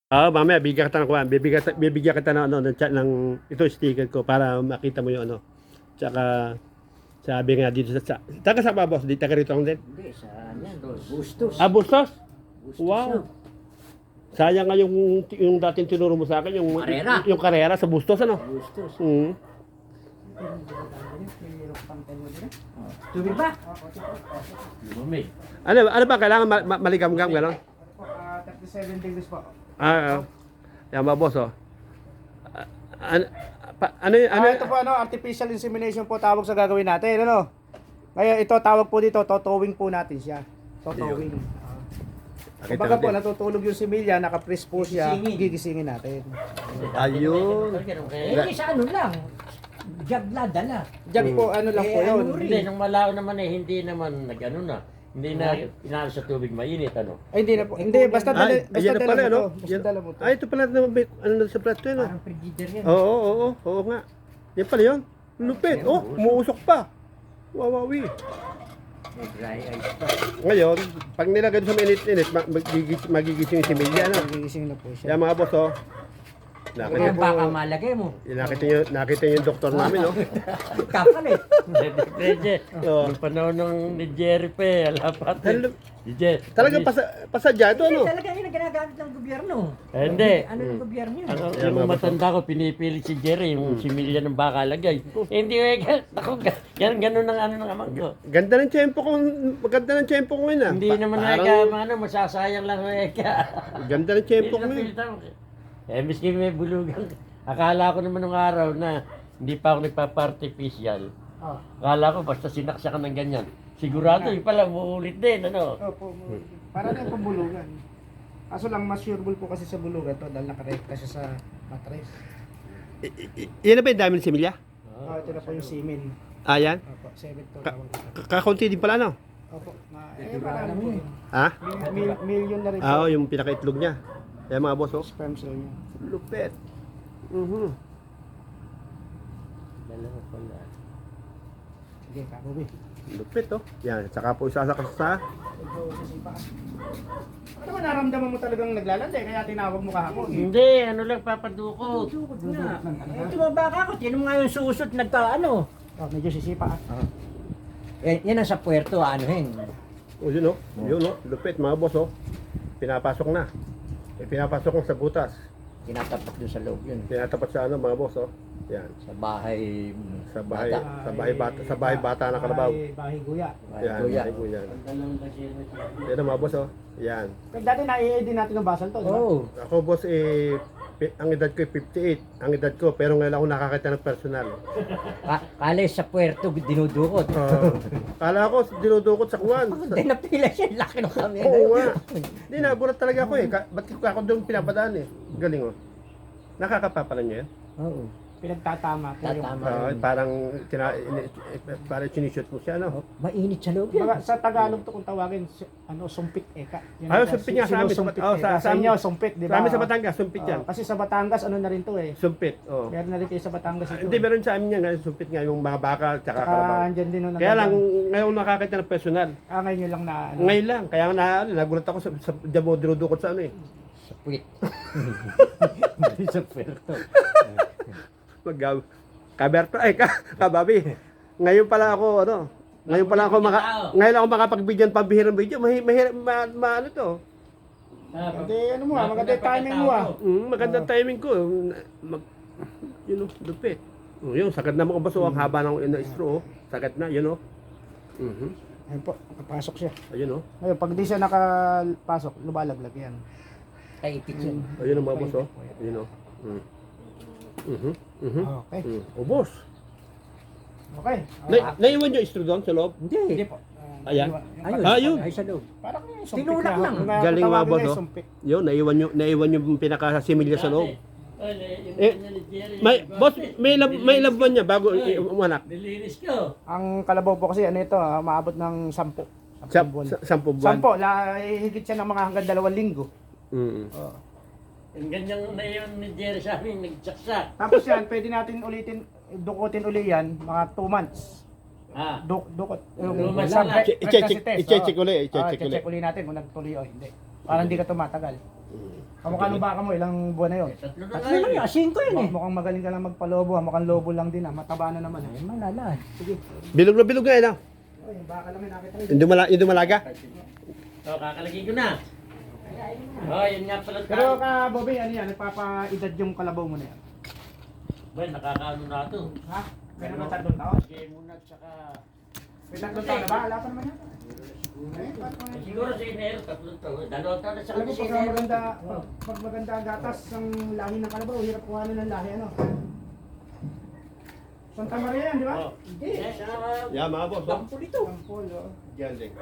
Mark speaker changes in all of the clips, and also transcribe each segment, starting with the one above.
Speaker 1: Mamaya bibigyan kita ng kuwan. Bibigyan kita ng ano ng chat ng ito sticker ko para makita mo yung ano. Tsaka sabi nga dito taga sa boss, di taga rito lang din.
Speaker 2: Hindi, sa yan doon. Bustos.
Speaker 1: Bustos?
Speaker 2: Bustos
Speaker 1: Wow.
Speaker 2: yun.
Speaker 1: Sayang nga yung dating tinuro mo sa akin,
Speaker 2: Karera.
Speaker 1: yung karera sa Bustos, ano?
Speaker 2: Bustos.
Speaker 1: Mm.
Speaker 2: Tubig ba?
Speaker 3: Lumamig.
Speaker 1: Ano ba, kailangan maligam-gam, gano'n?
Speaker 4: 37 degrees po.
Speaker 1: Yan ba, boss, oh. Ano,
Speaker 4: Ito po artificial insemination po tawag sa gagawin natin, ano? Ngayon ito tawag po dito, totowing po natin siya. Totowing. Kumbaga po natutulog yung similya, naka-press po siya, gigisingin natin.
Speaker 1: Ayun.
Speaker 2: Eh, sa ano lang. Jagla, dala.
Speaker 4: Diyan po ano lang po yun.
Speaker 3: Hindi, nung malao naman hindi naman nag-ano na. Hindi na inalo sa tubig mainit, ano?
Speaker 4: Ay hindi na po. Hindi basta dala,
Speaker 1: Ay,
Speaker 4: basta
Speaker 1: yan na
Speaker 4: dala
Speaker 1: pala,
Speaker 4: mo
Speaker 1: ano?
Speaker 4: to. Basta dala mo to.
Speaker 1: Ay, ito pala naman, ano na sa plato yun, oh.
Speaker 2: Parang frigider yan.
Speaker 1: Oo nga. Yan pala yun. Lupit. Oh, umuusok pa. Wawawi.
Speaker 2: May dry ice pa.
Speaker 1: Ngayon, pag nilagay doon sa mainit-init, magigising yung similya, ano?
Speaker 4: Gigising na po siya.
Speaker 1: Yan mga boss, oh.
Speaker 2: Kaya baka malagay mo.
Speaker 1: Nakita niyo yung doktor namin, oh.
Speaker 2: Kapalit.
Speaker 3: Pwede.
Speaker 1: Oo.
Speaker 3: Nung panahon ng Jerry pa, alapat.
Speaker 1: Talagang pasadya ito, ano?
Speaker 2: Talaga yun ang ginagamit ng gobyerno.
Speaker 3: Hindi.
Speaker 2: Ano ng gobyerno yun?
Speaker 3: Yung matanda ko, pinipili si Jerry, yung similya ng baka lagay. Hindi, ako, ganun ang ano ng amang ko.
Speaker 1: Ganda ng tiyempo ko, maganda ng tiyempo ko ngayon, ah.
Speaker 3: Hindi naman masasayang lang
Speaker 1: Ganda ng tiyempo ko ngayon.
Speaker 3: Miski may bulugan. Akala ko naman nung araw na hindi pa ako nagpapa-artificial. Akala ko basta sinaksakan ng ganyan. Sigurado yung pala muulit din, ano?
Speaker 4: Opo. Para na yung pambulugan. Kaso lang mas sureable po kasi sa bulugan to dahil nakarekta siya sa mattress.
Speaker 1: Yan na ba yung dami ng similya?
Speaker 4: Ito na po yung semen.
Speaker 1: Yan?
Speaker 4: Opo, 7 to tawag dito.
Speaker 1: Kakunti din pala, no?
Speaker 4: Opo. Marami po yun.
Speaker 1: Ha?
Speaker 4: Million na rin po.
Speaker 1: Yung pinakaitlog niya. Yan mga boss, oh.
Speaker 4: Sperm cell niya.
Speaker 1: Lupet.
Speaker 3: Dalawa pala.
Speaker 4: Sige, kabubi.
Speaker 1: Lupit, oh. Yan, saka po isasakas sa...
Speaker 4: Ito sa sipa. Ano naman naramdaman mo talagang naglalandi kaya tinawag mo kahapon?
Speaker 3: Hindi, ano lang papadukot.
Speaker 2: Tukod na. Ito mga baka ko, sino nga yung susot nagka-ano?
Speaker 4: Medyo sisipa.
Speaker 2: Yan ang sa puerto, anuhin.
Speaker 1: Oh, yun, oh. Yun, oh. Lupit, mga boss, oh. Pinapasok na. Pinapasok mo sa butas.
Speaker 2: Tinatapak doon sa loob yun.
Speaker 1: Tinatapat sa ano, mga boss, oh. Yan.
Speaker 2: Sa bahay.
Speaker 1: Sa bahay bata na kalabaw.
Speaker 4: Bahay guya.
Speaker 1: Yan,
Speaker 2: Kuya.
Speaker 1: bahay guya. Yan, mga boss, oh. Yan.
Speaker 4: Dati na-i-edit din natin ng basal to, di ba?
Speaker 2: Oo.
Speaker 1: Ako, boss, ang edad ko 58. Ang edad ko, pero ngayon ako nakakita ng personal.
Speaker 2: Kala sa puerto, dinudukot.
Speaker 1: Kala ko, dinudukot sa kuwan.
Speaker 2: Hindi napila siya, laki ng kami.
Speaker 1: Oo nga. Hindi, nabulat talaga ako, eh. Ba't ako doon pinapadaan, eh. Galing, oh. Nakakapapala niya yan.
Speaker 2: Oo.
Speaker 4: Pinagtatama po yung...
Speaker 2: Tatama.
Speaker 1: Parang sinishoot mo siya, no?
Speaker 2: Mainit sa loob yan.
Speaker 4: Sa Tagalog to kung tawagin, sumpit eka.
Speaker 1: Sumpit nga sa amin.
Speaker 4: Sinusumpit
Speaker 1: Oh,
Speaker 4: eka. Sa inyo, sumpit, di ba?
Speaker 1: Sa amin sa Batangas, sumpit yan.
Speaker 4: Kasi sa Batangas, ano na rin to eh.
Speaker 1: Sumpit, oh.
Speaker 4: Meron na rin kayo sa Batangas ito.
Speaker 1: Hindi, meron sa amin yan, sumpit nga, yung mga baka, tsaka kalabaw.
Speaker 4: Andyan din nung
Speaker 1: Kaya lang, ngayon nakakita ng personal.
Speaker 4: ngayon nyo lang na...
Speaker 1: Ngayon lang, kaya nagulat ako sa diyan mo dinudukot sa ano eh.
Speaker 2: Sa puwit. Sa puerto.
Speaker 1: Kaberto, kababi. Ngayon pala ako, ngayon ako makapag-video ng pambihirang video. Mahirap, ano to?
Speaker 4: Hindi, ano mo maganda yung timing mo
Speaker 1: Magandang timing ko. Yun o, lupit. Yun, sagad na mga baso, ang haba ng straw. Sagad na, yun o.
Speaker 4: Ayun po, nakapasok siya.
Speaker 1: Ayun o.
Speaker 4: Ngayon, pag di siya nakapasok, lumalaglag yan.
Speaker 2: Ay, ipit yun.
Speaker 1: Ayun o mga baso. Ayun o.
Speaker 4: Okay.
Speaker 1: Ubos.
Speaker 4: Okay.
Speaker 1: Naiwan yung straw doon sa loob?
Speaker 4: Hindi po.
Speaker 1: Ayan.
Speaker 2: Ayun. Ay, sa loob.
Speaker 4: Parang yung sumpit
Speaker 2: Tinulak lang.
Speaker 1: Galing mga boss, oh.
Speaker 4: Sumpit.
Speaker 1: Yun, naiwan yung pinaka-similya sa loob. Boss, may labuan niya bago umanak.
Speaker 3: Nilinis ko.
Speaker 4: Ang kalabaw po kasi ano ito, maabot ng 10. 10 buwan.
Speaker 1: 10 buwan.
Speaker 4: 10, higit siya ng mga hanggang 2 linggo.
Speaker 3: Yung ganyang na yun ni Jerry sa amin, nagsaksak.
Speaker 4: Tapos yan, pwede natin dukutin uli yan, mga 2 months. Dukot.
Speaker 3: months lang.
Speaker 1: I-check uli.
Speaker 4: I-check uli natin kung nagtuloy o hindi. Para hindi ka tumatagal. Kamukha ng baka mo, ilang buwan na yun?
Speaker 3: Tatlo na
Speaker 2: At
Speaker 3: nga
Speaker 2: naman
Speaker 3: yun.
Speaker 2: yun, asin ko yun eh.
Speaker 4: Mukhang magaling ka lang magpalobo, mukhang lobo lang din mataba na naman.
Speaker 2: Ay, malala.
Speaker 4: Sige.
Speaker 1: Bilog na bilog nga yun, ah.
Speaker 4: Oh, yung baka lang yung nakita rin.
Speaker 1: Yung dumalaga.
Speaker 3: So, kakalagay ko na. Oh, yun nga pala.
Speaker 4: Pero ka, Bobby, ano yan, nagpapaedad yung kalabaw mo na yan.
Speaker 3: Well, nakakaano na ito.
Speaker 4: Ha? Meron na 3 taon?
Speaker 3: Sige muna, tsaka...
Speaker 4: May 3 taon na ba? Wala pa naman yan.
Speaker 3: Siguro sa Enero, 3 taon. 2 taon na sa
Speaker 4: Alam mo,
Speaker 3: sa
Speaker 4: pag
Speaker 3: Enero.
Speaker 4: maganda ang gatas ng lahi ng kalabaw, hirap kuhanin ng lahi, ano? Santa Maria yan, di ba?
Speaker 3: Oh.
Speaker 2: Hindi.
Speaker 1: Yeah, mga boss. Oh.
Speaker 2: Dampo dito.
Speaker 4: Sampol, oh.
Speaker 1: Galing.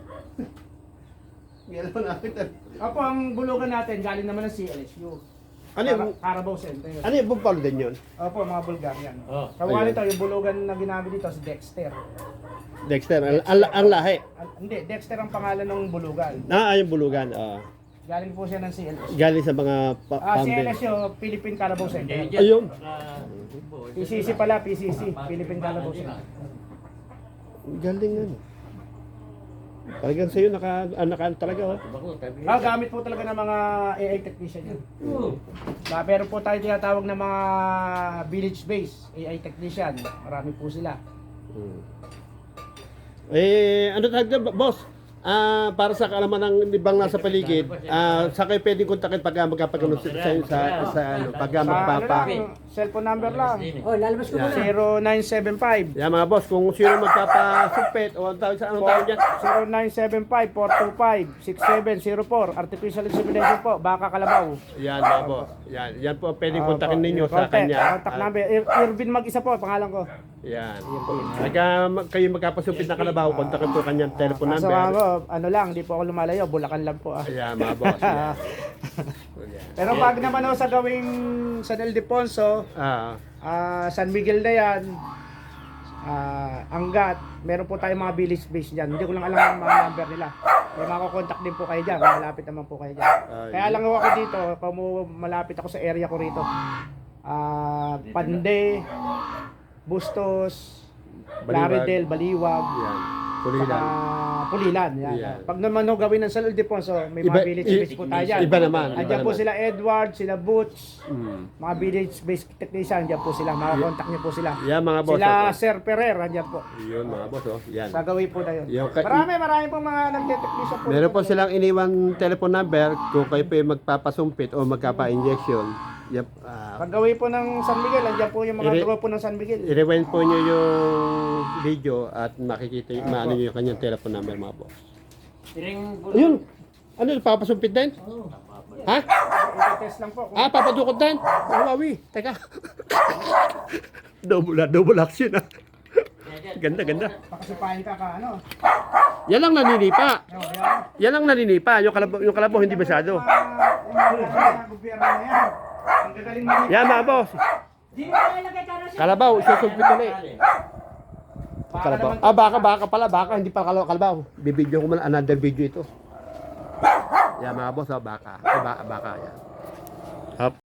Speaker 1: Galaw nakita.
Speaker 4: Opo, ang bulugan natin, galing naman ng CLSU.
Speaker 1: Ano yung,
Speaker 4: Carabao Center.
Speaker 1: ano yung bumpalo din yun?
Speaker 4: Opo, mga Bulgarian.
Speaker 3: Oh.
Speaker 4: Kamukha
Speaker 1: Ayun.
Speaker 4: nito, yung bulugan na ginamit dito, si Dexter.
Speaker 1: Dexter, ang lahi.
Speaker 4: Hindi, Dexter ang pangalan ng bulugan.
Speaker 1: Yung bulugan.
Speaker 4: Galing po siya ng CLSU.
Speaker 1: Galing sa mga pambe.
Speaker 4: CLSU, Philippine Carabao Center.
Speaker 1: Ayun.
Speaker 4: PCC pala, PCC, Philippine Carabao Center.
Speaker 1: Galing ano. Talagang sa'yo, naka talaga, oh.
Speaker 4: Gamit po talaga ng mga AI technician yan. Pero po tayo tinatawag ng mga village base AI technician. Marami po sila.
Speaker 1: Ano tawag na, boss? Para sa kaalaman ng ibang nasa paligid, sa kayo pwedeng kontakin pag magkapagano sa ano, pag magpapa.
Speaker 4: Cellphone number lang.
Speaker 2: Oh, lalabas ko muna.
Speaker 4: 0975
Speaker 1: Yeah, mga boss, kung sino magpapasumpit o anong tawag dyan?
Speaker 4: 0975-425-6704 Artificial insemination po, Baka Kalabaw.
Speaker 1: Yan, mga boss. Yan po, pwedeng kontakin ninyo sa kanya.
Speaker 4: Contact number, Irvin mag-isa po, pangalan ko.
Speaker 1: Yan. Pagka kayo magkapasumpit na kalabaw, kontakin po kanyang telephone
Speaker 4: So,
Speaker 1: number.
Speaker 4: ano lang, di po ako lumalayo, Bulacan lang po.
Speaker 1: Yan, mga boss. Yan.
Speaker 4: Pero pag naman ako sa gawing San Ildefonso, San Miguel na yan, Angat, meron po tayong mga village base dyan. Hindi ko lang alam ang mga number nila. May makakontakt din po kayo dyan, malapit naman po kayo dyan. Kaya lang ako dito, malapit ako sa area ko rito. Pande, Bustos, Plaridel, Baliwag,
Speaker 1: Yan. Pulilan.
Speaker 4: Pulilan. Yan.
Speaker 1: Yan.
Speaker 4: Pag naman no, gawin ng San Ildefonso, may mga village base po tayo dyan.
Speaker 1: Iba naman.
Speaker 4: Andiyan po sila Edward, sila Butch,
Speaker 1: Hmm.
Speaker 4: mga village based technician, andiyan po sila, makakontakt niyo po sila.
Speaker 1: Yan, mga boss.
Speaker 4: Sila
Speaker 1: oh.
Speaker 4: Sir Ferrer, andiyan po.
Speaker 1: Yun, mga boss. Oh. Yan.
Speaker 4: Gagawin po na yun.
Speaker 1: Yung
Speaker 4: Marami pong mga nagte-technician po.
Speaker 1: Meron po silang iniwang telephone number kung kayo po yung magpapasumpit o magkapa-injection. Yep.
Speaker 4: Pag-gawin po ng San Miguel, andiyan po yung mga grupo ng San Miguel.
Speaker 1: I-rewind po nyo yung video at makikita yung maano nyo yung kanyang telephone number, mga boss. Ayun! Ano, papasumpit din? Ha?
Speaker 4: I-test lang po.
Speaker 1: Papadukot din? Wawi, teka. double action, ah. Ganda.
Speaker 4: Pakasipahin ka ano.
Speaker 1: Yan lang naninipa.
Speaker 4: Yan.
Speaker 1: Yan lang naninipa. Yung kalabaw hindi masyado.
Speaker 4: Yung gobyerno na yan. Ang gagaling mo.
Speaker 1: Yan, mga boss.
Speaker 2: Di mo na ilagay ka na siya.
Speaker 1: Kalabaw, isusumpit ulit. Kalabaw. Baka pala. Baka, hindi pa kalabaw. Bibidyo ko man another video ito. Yan, mga boss, baka. Baka, yan. Hop.